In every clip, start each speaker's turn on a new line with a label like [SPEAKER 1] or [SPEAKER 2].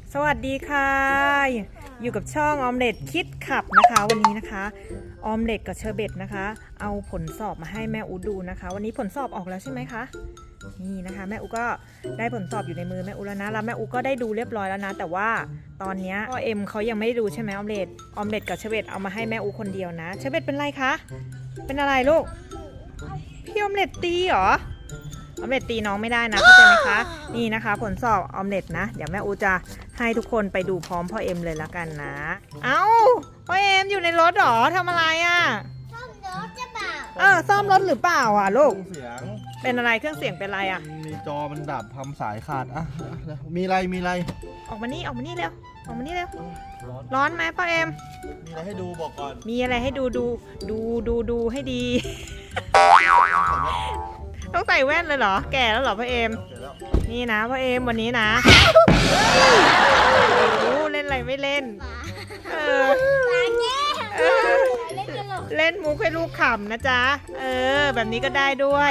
[SPEAKER 1] สวัสดีค่ะอยู่กับช่องออมเล็ตคิดขับนะคะวันนี้นะคะออมเล็ตกับเชอร์เบตนะคะเอาผลสอบมาให้แม่อูดูนะคะวันนี้ผลสอบออกแล้วใช่ไหมคะนี่นะคะแม่อูก็ได้ผลสอบอยู่ในมือแม่อูแล้วนะแล้วแม่อูก็ได้ดูเรียบร้อยแล้วนะแต่ว่าตอนนี้พ่อเอ็มเขายังไม่ได้ดูใช่ไหมออมเล็ตกับเชอร์เบตเอามาให้แม่อูคนเดียวนะเชอร์เบตเป็นไรคะเป็นอะไรลูกพี่ออมเล็ตตีเหรอออมเล็ตตีน้องไม่ได้นะเข้าใจไหมคะนี่นะคะผลสอบออมเล็ตนะเดี๋ยวแม่อูจะให้ทุกคนไปดูพร้อมพ่อเอ็มเลยละกันนะเอ้าพ่อเอ็มอยู่ในรถหรอทำอะไรอ่ะ
[SPEAKER 2] ซ่อมรถจะเปล่า
[SPEAKER 1] ซ่อมรถหรือเปล่าอ่ะลูก
[SPEAKER 3] เสียง
[SPEAKER 1] เป็นอะไรเครื่องเสียงเป็นอะไรอ่ะ
[SPEAKER 3] มีจอมันดับทำสายขาดมีอะไร
[SPEAKER 1] ออกมานี่เร็วออกมานี่เร็วร้อนไหมพ่อเอ็ม
[SPEAKER 3] มีอะไรให้ดูบอกก่อน
[SPEAKER 1] มีอะไรให้ดูให้ดี ต้องใส่แว่นเลยเหรอแก่แล้วเหรอพ่อเอ็มนี่นะพ่อเอ็มวันนี้นะเล่นอะไรไม่เล่นเล่นมุกให้ลูกขำนะจ๊ะแบบนี้ก็ได้ด้วย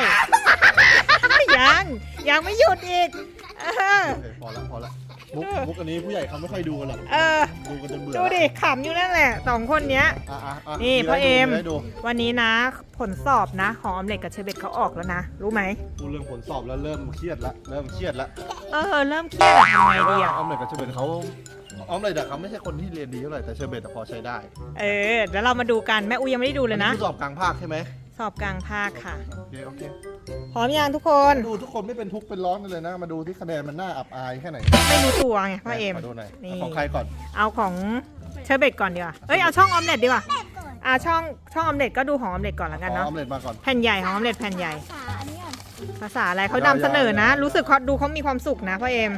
[SPEAKER 1] ยังไม่หยุดอีก
[SPEAKER 3] พอละมุกอันนี้ผู้ใหญ่เขาไม่ค่อยดูกันหรอกดูกันจนเบื่อ
[SPEAKER 1] ดูดิขำอยู่นั่นแหละสองคนเนี้ยนี่พ่อเอ็มวันนี้นะผลสอบนะของออมเล็ตกับเชอร์เบตเขาออกแล้วนะรู้ไหม
[SPEAKER 3] พูดเรื่องผลสอบแล้วเริ่มเครียดละเริ่มเครียด
[SPEAKER 1] ทำไงดีอ่ะ
[SPEAKER 3] ออมเล็ตกับเชอร์เบตเขาออมเล็ตเขาไม่ใช่คนที่เรียนดีเท่าไหร่แต่เชอร์เบตพอใช้ได้
[SPEAKER 1] เดี๋ยวเรามาดูกันแม่อูยังไม่ได้ดูเลยนะ
[SPEAKER 3] สอบกลางภาคใช่ไหม
[SPEAKER 1] สอบกลางภาคค่ะ
[SPEAKER 3] โอเค
[SPEAKER 1] พร้อมยังทุกคน
[SPEAKER 3] ดูทุกคนไม่เป็นทุกข์เป็นร้อนกันเลยนะมาดูที่คะแนนมันน่าอับอายแค่ไหน
[SPEAKER 1] ไม่รู้ตัวไงพ่อเอ็ม
[SPEAKER 3] ดูหน่อยของใครก่อน
[SPEAKER 1] เอาของเชอร์เบตก่อนดีกว่าเอาช่องออมเล็ตดีกว่าช่องออมเล็ตก็ดูของออมเล็ตก่อนแล้วกันเนาะ
[SPEAKER 3] ออมเล็ตมาก่อน
[SPEAKER 1] แผ่นใหญ่ของออมเล็ตแผ่นใหญ่ภาษาอะไรเขานำเสนอนะรู้สึกดูเขามีความสุขนะพ่อเอ็ม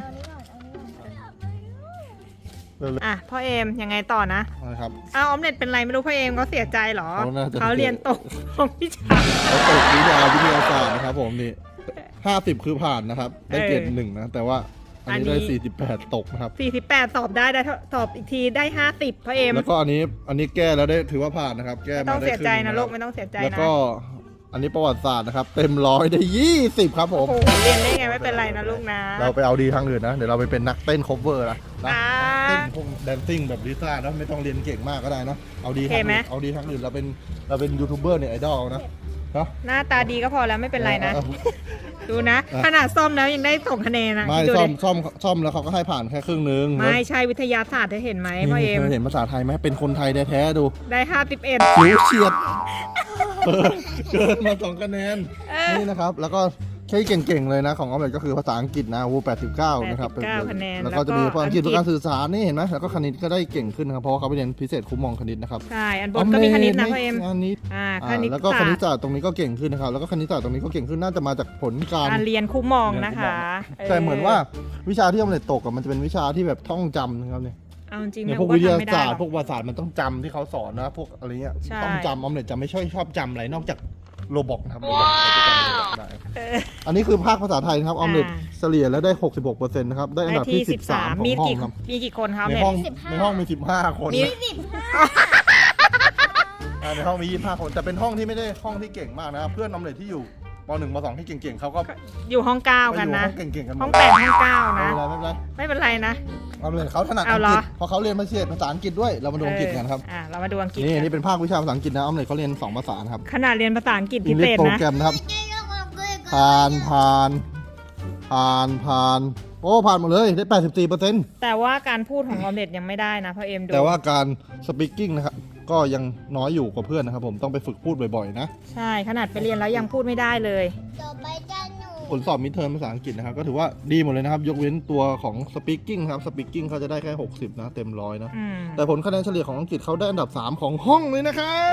[SPEAKER 1] พ่อเอ็มยังไงต่อนะครับออมเล็ตเป็นไรไม่รู้พ่อเอ็มเขาเสียใจหรอเขาเรียนตกของวิชา
[SPEAKER 3] เขาตกวิทยาศาสตร์นะครับผมนี่50คือผ่านนะครับได้เกรด1นะแต่ว่าอันนี้ได้48ตกนะครับ
[SPEAKER 1] 48สอบได้สอบอีกทีได้50พ่อเอ็ม
[SPEAKER 3] แล้วก็อันนี้แก้แล้วได้ถือว่าผ่านนะครับแก้
[SPEAKER 1] ไม่ต้องเสียใจนะลูกไม่ต้องเสียใจนะ
[SPEAKER 3] แล้วก็อันนี้ประวัติศาสตร์นะครับเต็ม100ได้20ครับผม
[SPEAKER 1] เรียนได้ไงไม่เป็นไรนะลูกนะ
[SPEAKER 3] เราไปเอาดีทางอื่นนะเดี๋ยวเราไปเป็นนักเต้น cover นะเต้นพวกแดนซิ่งแบบลิซ่านะไม่ต้องเรียนเก่งมากก็ได้นะเอาดีทางอื่นเราเป็นยูทูบเบอร์เนี่ยไอดอลนะ
[SPEAKER 1] หน้าตาดีก็พอแล้วไม่เป็นไรนะดูนะขนาดซ่อมแล้วยังได้ส่งคะแนนนะ
[SPEAKER 3] ไม่ซ่อมแล้วเขาก็ให้ผ่านแค่ครึ่งนึง
[SPEAKER 1] ไม่ใช่วิทยาศาสตร์เธอเห็นไหมพ่อเอ็ม
[SPEAKER 3] เห็นภาษาไทยไหมเป็นคนไทยแท้ๆดู
[SPEAKER 1] ได้51
[SPEAKER 3] ผิวเฉียดเกินมา2คะแนนนี่นะครับแล้วก็ใช้เก่งๆเลยนะของออมเล็ตก็คือภาษาอังกฤษนะ89นะครับแล้วก็จะมีภาษาอังกฤษการสื่อสารนี่เห็นไหมแล้วก็คณิตก็ได้เก่งขึ้นนะครับเพราะเขาไปเรียนพิเศษคุ้มมองคณิตนะครับ
[SPEAKER 1] ใช่อันบนก็มีคณิตนะพ่อเอ็ม
[SPEAKER 3] คณิตแล้วก็คณิตศาสตร์ตรงนี้ก็เก่งขึ้นนะครับแล้วก็คณิตศาสตร์ตรงนี้ก็เก่งขึ้นน่าจะมาจากผลการ
[SPEAKER 1] เรียนคุ้มมองนะคะ
[SPEAKER 3] แต่เหมือนว่าวิชาที่ออมเล็ตตกมันจะเป็นวิชาที่แบบท่องจำนะครับเนี่ย
[SPEAKER 1] เอาจริง
[SPEAKER 3] พวกวิทยาศาสตร์พวกภาษามันต้องจำที่เขาสอนนะพวกอะไรเงี้ยต้องจำออมเล็ตจะไม่ชอบจำอะไรนอกจากโรบอกนะครับอันนี้คือภาคภาษาไทยนะครับออมเล็ตเฉลี่ยแล้วได้ 66% นะครับได้อันดับที่13ของห้องครับ
[SPEAKER 1] มีกี่คนครับ
[SPEAKER 3] ในห้องมี15คนในห้องมี25คนแต่เป็นห้องที่ไม่ได้ห้องที่เก่งมากนะครับเพื่อนออมเล็ตที่อยู่ป.1 ป.2 ที่เก่งๆเขาก็
[SPEAKER 1] อยู่ห้อง9กันนะห้อง8ห้อง9นะไม่เป็นไรนะ
[SPEAKER 3] ออมเล็ตเขาถนัดอังกฤษเพราะเขาเรียนภาษาอังกฤษด้วยเรามาดูอังกฤษกันครับ
[SPEAKER 1] เรามาดูอังกฤษ
[SPEAKER 3] นี่เป็นภาควิชาภาษาอังกฤษนะออมเล็ตเขาเรียน2ภาษาครับ
[SPEAKER 1] ขนาดเรียนภาษาอังกฤษพิเศษนะ
[SPEAKER 3] โปรแกรมนะครับผ่านโอ้ผ่านหมดเลยได้ 84%
[SPEAKER 1] แต่ว่าการพูดของออมเล็ตยังไม่ได้นะพ่อเอ็มดู
[SPEAKER 3] แต่ว่าการสปีกกิ้งนะครับก็ยังน้อยอยู่กว่าเพื่อนนะครับผมต้องไปฝึกพูดบ่อยๆนะ
[SPEAKER 1] ใช่ขนาดไปเรียนแล้วยังพูดไม่ได้เลย
[SPEAKER 3] ผลสอบมิดเทอมภาษาอังกฤษนะครับก็ถือว่าดีหมดเลยนะครับยกเว้นตัวของสปีกกิ้งครับสปีกกิ้งเขาจะได้แค่60นะเต็ม100นะแต่ผลคะแนนเฉลี่ยของอังกฤษเขาได้อันดับ3ของห้องเลยนะครับ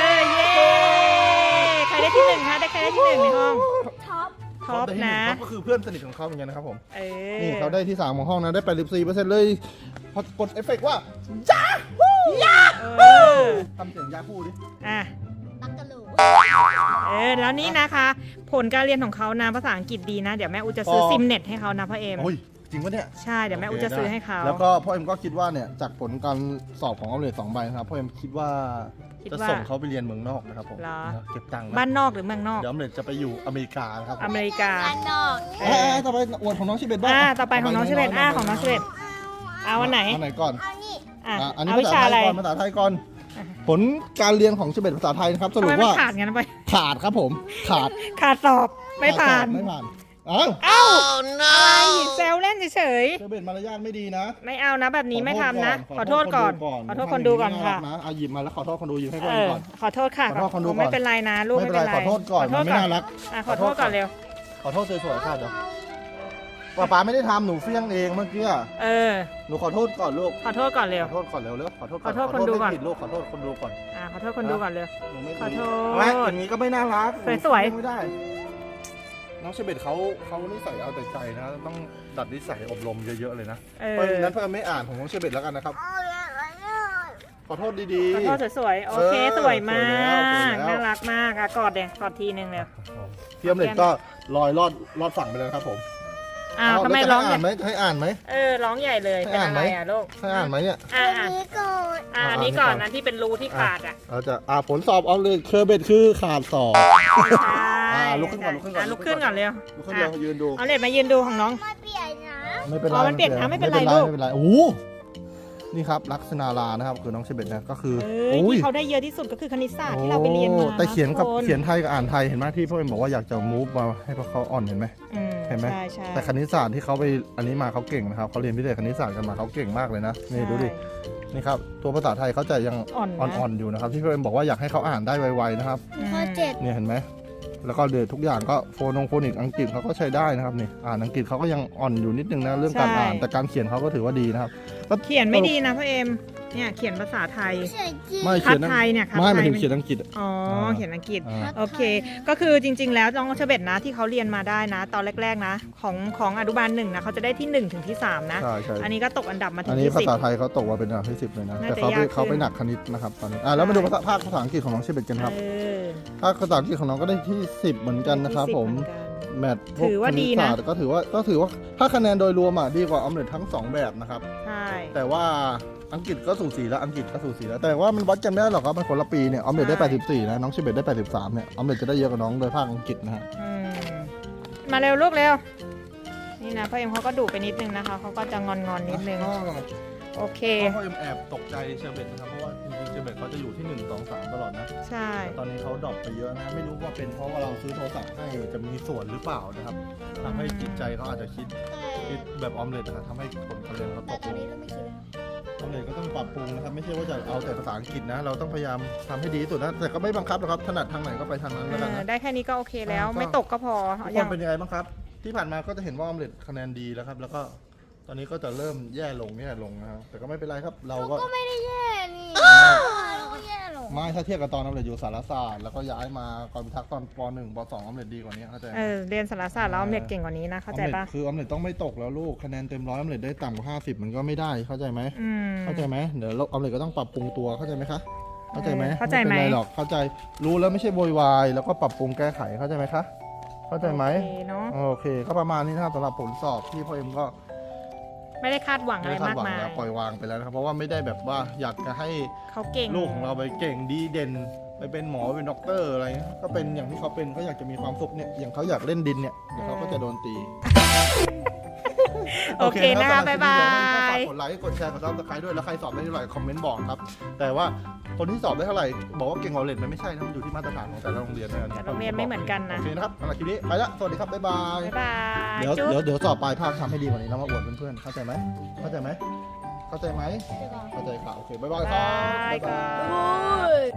[SPEAKER 1] ใครได้ที่1คะได้ใครได้ที่1ในห้องท็อปนะ
[SPEAKER 3] ก็คือเพื่อนสนิทของเขาเหมือนกันนะครับผมนี่เขาได้ที่3ของห้องนะได้ 84% เลยพอกดเอฟเฟกต์ว่ายาฮูทำเสียงยาฮูดิ
[SPEAKER 2] บักกะลู
[SPEAKER 1] แล้วนี่นะคะผลการเรียนของเขานะภาษาอังกฤษดีนะเดี๋ยวแม่อูจะซื้อซิมเน็ตให้เขานะพ่อเอ็ม
[SPEAKER 3] จริงปะเนี่ย
[SPEAKER 1] ใช่เดี๋ยวแม่อูจะซื้อให้เขา
[SPEAKER 3] แล้วก็พ่อเอ็มก็คิดว่าเนี่ยจากผลการสอบของออมเล็ต2 ใบนะครับพ่อเอ็มคิดว่าจะส่งเขาไปเรียนเมืองนอกนะครับผมเก็บตังค์
[SPEAKER 1] บ้านนอกหรือเมืองนอก
[SPEAKER 3] เดี๋ยวออมเล็ตจะไปอยู่อเมริกาครับ
[SPEAKER 1] อเมริกา
[SPEAKER 2] บ้านนอก
[SPEAKER 3] ต่อไปอวดของน้องชิเบตบ้าง
[SPEAKER 1] ต่อไปของน้องชิเบตของน้องชิเบตเอาวันไหน
[SPEAKER 3] อันไหนก่อน
[SPEAKER 2] เอานี่
[SPEAKER 1] อ่ะ
[SPEAKER 3] อันนี้
[SPEAKER 1] เอา
[SPEAKER 3] ภา
[SPEAKER 1] วิ
[SPEAKER 3] ษา
[SPEAKER 1] ชา
[SPEAKER 3] ไท
[SPEAKER 1] อะไร
[SPEAKER 3] ยก่อนภาษาไทยก่อน ผลการเรียนของเชเบตภาษาไทยนะครับส
[SPEAKER 1] ทำ
[SPEAKER 3] รุ
[SPEAKER 1] ไม
[SPEAKER 3] ป
[SPEAKER 1] มัน
[SPEAKER 3] ว่า
[SPEAKER 1] ขาดกันไป
[SPEAKER 3] ขาดครับผมขาด
[SPEAKER 1] ขาดสอบไม่ผ่าน
[SPEAKER 3] ไม่ผ่านอ้าว
[SPEAKER 1] เอ้าอะไรแซวเล่นเฉย
[SPEAKER 3] เชเบตมารยาทไม่ดีนะ
[SPEAKER 1] ๆไม่เอานะแบบนี้ไม่ทำนะ ขอโทษก่อน ขอโทษคนดูก่อนค่ะ
[SPEAKER 3] นะเอาหยิบมาแล้วขอโทษคนดูหยิบให้ก่อน
[SPEAKER 1] เออ
[SPEAKER 3] ก่อน
[SPEAKER 1] ขอโทษค่ะ
[SPEAKER 3] ขอโทษคนดูก่อน
[SPEAKER 1] ไม่เป็นไรนะลูก
[SPEAKER 3] ไม่
[SPEAKER 1] ไม่
[SPEAKER 3] เป็น
[SPEAKER 1] เป็น
[SPEAKER 3] ไร
[SPEAKER 1] ไร
[SPEAKER 3] ขอโทษก่อนมันไม่น่ารัก
[SPEAKER 1] อ่ะขอโทษก่อนเร็ว
[SPEAKER 3] ขอโทษสวยๆค่ะเดี๋ยวป๊าไม่ได้ทำหนูเฟี้ยงเองเมื่อกี้
[SPEAKER 1] เออ
[SPEAKER 3] หนูขอโทษก่อนลูก
[SPEAKER 1] ขอโทษก่อนเร็ว
[SPEAKER 3] ขอโทษก่อนเร็วขอโทษ
[SPEAKER 1] ขอโทษคนดูก่อน
[SPEAKER 3] ไม่ผิดลูกขอโทษคนดูก่อน
[SPEAKER 1] ขอโทษคนดูก่อนเร็ว
[SPEAKER 3] หนูไม่
[SPEAKER 1] ขอโทษ
[SPEAKER 3] ไม่อย่างนี้ก็ไม่น่ารัก
[SPEAKER 1] สวยๆ
[SPEAKER 3] หนูไม่ได้ น้องเชเบตเขานิสัยเอาแต่ใจนะต้องดัดนิสัยอบรมเยอะๆเลยนะ
[SPEAKER 1] เอ
[SPEAKER 3] เพราะ
[SPEAKER 1] อ
[SPEAKER 3] ฉะนั้นเพื่อนไม่อ่านของน้องเชเบตแล้วกันนะครับ ขอโทษดี
[SPEAKER 1] ขอโทษสวยๆโอเคสวยมา
[SPEAKER 3] สวย
[SPEAKER 1] ก
[SPEAKER 3] แล้ว
[SPEAKER 1] น่ารักมากอ่ะกอดเด็กกอดทีนึงเร็ว
[SPEAKER 3] ๆพี่อมเล็ตก็ลอยรอดฝั่งไปเลยนะครับผม
[SPEAKER 1] ทำไมร้อง
[SPEAKER 3] ให้อ่านไหมให้อ่านไหม
[SPEAKER 1] ร้องใหญ่เลย
[SPEAKER 3] ให้
[SPEAKER 1] เป็น
[SPEAKER 3] อ่าน
[SPEAKER 1] อะ
[SPEAKER 3] ไหม
[SPEAKER 1] ไรอ่ะลูก
[SPEAKER 3] ให้อ่านไหมเนี่ย
[SPEAKER 1] อ่ะ
[SPEAKER 2] อันนี้ก่อน
[SPEAKER 1] อันนี้ก่อนนะที่เป็นรูที่ขาดอ่ะ
[SPEAKER 3] เราจะผลสอบเอาเลยเคอร์เบตคือขาดสอบ
[SPEAKER 1] ใช่
[SPEAKER 3] ลุกขึ้นก่อนลุกขึ้นก่อน
[SPEAKER 1] ลุกขึ้นก่อนเร็ว
[SPEAKER 3] ลุกขึ้นเร็วยืนดู
[SPEAKER 1] เอาเล็ดมายืนดูของน้อง
[SPEAKER 2] ไม่เปลี่ยนนะ
[SPEAKER 3] ไม่เป็นไร
[SPEAKER 1] อ๋อมันเปลี่ยนนะไม่เป็นไรลูก
[SPEAKER 3] ไม่เป็นไรโอ้โหนี่ครับลักษณาลานะครับคือน้องเชเบตนะก็คือ
[SPEAKER 1] ที่เขาได้เยอะที่สุดก็คือคณิตศาสตร์ที่เราไปเรียนมา
[SPEAKER 3] โอ้แต่เขียนกับ
[SPEAKER 1] ทุค
[SPEAKER 3] เขียนไทยกับอ่านไทยเห็นไหมที่พ่อเอ็มบอกว่าอยากจะมูฟมาให้พวกเขาอ่อนเห็นไหม เห็นไหม
[SPEAKER 1] ใช่ใช่
[SPEAKER 3] แต่คณิตศาสตร์ที่เขาไปอันนี้มาเขาเก่งนะครับเขาเรียนพิเศษคณิตศาสตร์กันมาเขาเก่งมากเลยนะนี่ดูดินี่ครับตัวภาษาไทยเขาจะยัง
[SPEAKER 1] อ่อนนะ
[SPEAKER 3] อ่อนๆอยู่นะครับที่พ่อเอ็มบอกว่าอยากให้เขาอ่านได้ไวๆนะครับ
[SPEAKER 2] ข้อ7
[SPEAKER 3] เนี่ยเห็นไหมแล้วก็เดือทุกอย่างก็โฟนิกอังกฤษเขาก็ใช้ได้นะครับนี่อ่านอังกฤษเขาก็ยังอ่อนอยู่นิดนึงนะเรื่องการอ่านแต่การเขียนเขาก็ถือว่าดีนะครับ
[SPEAKER 1] เขียนไม่ดีนะพ่อเอ็มเนี่ยเขียนภาษาไทย
[SPEAKER 2] เขียนจริง
[SPEAKER 3] ไม่
[SPEAKER 1] คั
[SPEAKER 3] เขี
[SPEAKER 1] ด
[SPEAKER 3] ยน
[SPEAKER 1] ไทยเนี่ยคัด
[SPEAKER 3] ไม่
[SPEAKER 1] ไท
[SPEAKER 3] หมาย
[SPEAKER 1] ย
[SPEAKER 3] ถึงเขียนอังกฤษ
[SPEAKER 1] อ๋อเขียนอังกฤษ
[SPEAKER 3] อ่า
[SPEAKER 1] โอเค ก็คือจริง ๆ แล้วน้องเชเบตนะที่เขาเรียนมาได้นะ ตอนแรกๆนะของอนุบาล1นะเขาจะได้ที่1ถึงที่3นะ
[SPEAKER 3] ใช่ใช่
[SPEAKER 1] อันนี้ก็ตกอันดับมาถึ
[SPEAKER 3] อัน
[SPEAKER 1] ง
[SPEAKER 3] นี้
[SPEAKER 1] ที่
[SPEAKER 3] ภา
[SPEAKER 1] 10
[SPEAKER 3] ษาไทยเขาตกมาเป็นอันดับที่10เลยนะ
[SPEAKER 1] น่า
[SPEAKER 3] แต่
[SPEAKER 1] จะยากขึ้น
[SPEAKER 3] เขาไปหนักคณิตนะครับตอนนี้แล้วมาดูภาษาอังกฤษของน้องเชเบตกันครับ
[SPEAKER 1] เออ
[SPEAKER 3] ภาษาอังกฤษของน้องก็ได้ที่10เหมือนกันนะครับ
[SPEAKER 1] ที่10
[SPEAKER 3] ผม
[SPEAKER 1] เหอนกัน
[SPEAKER 3] แมทพวก
[SPEAKER 1] ถือว่าดีนะ
[SPEAKER 3] คณิตศสตร์ก็ถือว่าถ้าคะแนนโดยรวมอ่ะดีกว่าออมเล็ตทั้งสองแบบนะครับ
[SPEAKER 1] ใช่
[SPEAKER 3] แต่ว่าอังกฤษก็สูสีแล้วอังกฤษก็สูสีแล้วแต่ว่ามันวัดกันไม่ได้หรอกครับมันคนละปีเนี่ยออมเล็ตได้84นะน้องเชเบตได้83เนี่ยออมเล็ตจะได้เยอะกว่าน้องโดยภาคอังกฤษนะฮะ
[SPEAKER 1] อืมมาเร็วลูกเร็วนี่นะพ่อเอ็มเขาก็ดุไปนิดนึงนะคะเขาก็จะงอนๆนิดนึงโอเค
[SPEAKER 3] พ่อเอ็มแอบตกใจเชเบตนะครับเพราะว่าจริงๆเชเบตเขาจะอยู่ที่1 2 3ตลอดนะ
[SPEAKER 1] ใช่
[SPEAKER 3] แต่ตอนนี้เขาดรอปไปเยอะนะไม่รู้ว่าเป็นเพราะว่าเราซื้อโทรศัพท์ให้จะมีส่วนหรือเปล่านะครับทำให้จิตใจเขาอาจจะคิดแบบออมเล็ตนะครับทำให้ผลการเรียนเขาต
[SPEAKER 2] แต่
[SPEAKER 3] ก
[SPEAKER 2] ต
[SPEAKER 3] ล
[SPEAKER 2] อน
[SPEAKER 3] ง
[SPEAKER 2] นี้เราไม่คิดแล้ว
[SPEAKER 3] ออมเล็ตก็ต้องปรับปรุงนะครับไม่ใช่ว่าจะเอาแต่ภาษาอังกฤษนะ เราต้องพยายามทำให้ดีที่สุดนะแต่ก็ไม่บังคับหรอกครับถนัดทางไหนก็ไปทางนั้นแล้วกันนะ
[SPEAKER 1] ได้แค่นี้ก็โอเคแล้ว
[SPEAKER 3] ก็
[SPEAKER 1] ไม่ตกก็พอ
[SPEAKER 3] ทุก
[SPEAKER 1] อ
[SPEAKER 3] ค
[SPEAKER 1] ย่าน ง
[SPEAKER 3] เป็นยังไงบ้างครับ ที่ผ่านมาก็จะเห็นว่าออมเล็ตคะแนนดีแล้วครับ แล้วก็ตอนนี้ก็จะเริ่มแย่ลงนะครับแต่ก็ไม่เป็นไรครับ เราก็
[SPEAKER 2] ก็ไม่ได้แย่นี่เราก็แย่หรอก
[SPEAKER 3] ไม่ถ้าเทียบกับตอนออมเล็ตอยู่สารศาสตร์แล้วก็ย้ายมากรพิทักษ์ตอนป .1 ป .2 ออมเล็ตดีกว่านี้เข้าใจไหม
[SPEAKER 1] เรียนสารศาสตร์แล้วออมเล็ตเก่งกว่านี้นะเข้าใจปะ
[SPEAKER 3] คือออมเล็ตต้องไม่ตกแล้วลูกคะแนนเต็ม100ออมเล็ตได้ต่ำกว่า50มันก็ไม่ได้เข้าใจไหม
[SPEAKER 1] อืม
[SPEAKER 3] เข้าใจไหมเดี๋ยวออมเล็ตก็ต้องปรับปรุงตัวเข้าใจไหมคะเข้าใจไหม
[SPEAKER 1] เข้าใจไหม
[SPEAKER 3] เป็นไรหรอกเข้าใจรู้แล้วไม่ใช่โวยวายแล้วก็ปรับปรุงแก้ไขเข้าใจไหมคะเข้าใจไหม
[SPEAKER 1] โอเคเนาะ
[SPEAKER 3] โอเคก็ประมาณนี้นะครับสำหรับผลสอบที่พ่อเอ็มก็
[SPEAKER 1] ไม่ได้คาดหวังอะไร
[SPEAKER 3] ไม่คาด
[SPEAKER 1] มาก
[SPEAKER 3] หวัง
[SPEAKER 1] มาย
[SPEAKER 3] แล้วปล่อยวางไปแล้วนะครับเพราะว่าไม่ได้แบบว่าอยากจะให้
[SPEAKER 1] เขาเก่ง
[SPEAKER 3] ลูกของเราไปเก่งดีเด่นไปเป็นหมอเป็นด็อกเตอร์อะไรเงี้ยก็เป็นอย่างที่เขาเป็นเขาอยากจะมีความสุขเนี่ยอย่างเขาอยากเล่นดินเนี่ยเดี๋ยวเขาก็จะโดนตี
[SPEAKER 1] โอเคนะคะบ๊ายบาย
[SPEAKER 3] ฝากกดไลค์กดแชร์กดซับสไครต์ด้วยแล้วใครสอบได้เท่าไหร่คอมเมนต์บอกครับแต่ว่าคนที่สอบได้เท่าไหร่บอกว่าเก่งกว่าเลนมันไม่ใช่นะมันอยู่ที่มาตรฐานของแต่ละโรงเรียนนะ
[SPEAKER 1] แต่โรงเรียนไม่เหมือนกันนะ
[SPEAKER 3] โอเคนะครับสำหรับคลิปนี้ไปละสวัสดีครับบ๊ายบาย
[SPEAKER 1] บ๊ายบาย
[SPEAKER 3] เดี๋ยว
[SPEAKER 1] จุ๊บ
[SPEAKER 3] เดี๋ยวสอบปลายภาคทำให้ดีกว่านี้แล้วมาอวดเพื่อนๆเข้าใจไหมเข้าใจไหมเข้าใจไหมเข้าใจค่ะโอเคบ๊ายบายครับ
[SPEAKER 1] บ๊ายบาย
[SPEAKER 3] บ๊ายบาย
[SPEAKER 2] โอ้ย